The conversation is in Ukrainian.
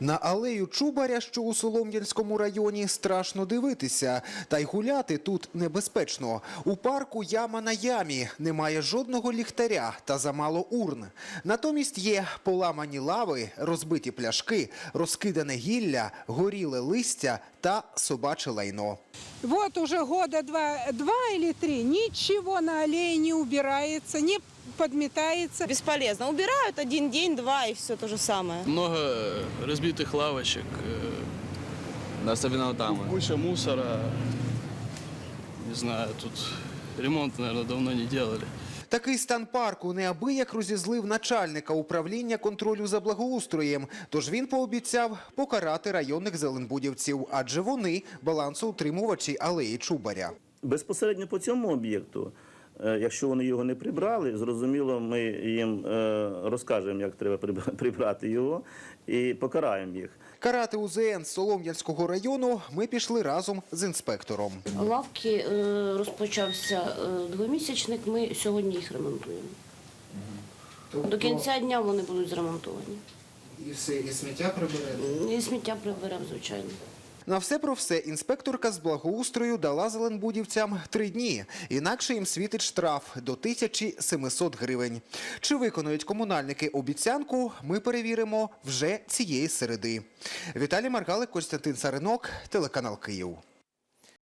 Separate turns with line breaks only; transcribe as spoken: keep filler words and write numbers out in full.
На алею Чубаря, що у Солом'янському районі, страшно дивитися. Та й гуляти тут небезпечно. У парку яма на ямі, немає жодного ліхтаря та замало урн. Натомість є поламані лави, розбиті пляшки, розкидане гілля, горіле листя та собаче лайно.
Вот уже года два, два или три ничего на аллее не убирается, не подметается.
Бесполезно. Убирают один день, два, и все то же самое.
Много разбитых лавочек,
особенно там.
куча мусора. Не знаю, тут ремонт, наверное, давно не делали.
Такий стан парку неабияк розізлив начальника управління контролю за благоустроєм. Тож він пообіцяв покарати районних зеленбудівців, адже вони балансоутримувачі алеї Чубаря.
Безпосередньо по цьому об'єкту, якщо вони його не прибрали, зрозуміло, ми їм розкажемо, як треба прибрати його, і покараємо їх.
Карати У Зе Ен Солом'янського району ми пішли разом з інспектором.
Лавки розпочався двомісячник, ми сьогодні їх ремонтуємо. Тобто... До кінця дня вони будуть зремонтовані.
І все, і сміття приберемо?
І сміття приберемо, звичайно.
На все про все інспекторка з благоустрою дала зеленбудівцям три дні. Інакше їм світить штраф до тисячі семисот гривень. Чи виконують комунальники обіцянку, ми перевіримо вже цієї середи. Віталій Маргалик, Костянтин Царинок, телеканал Київ.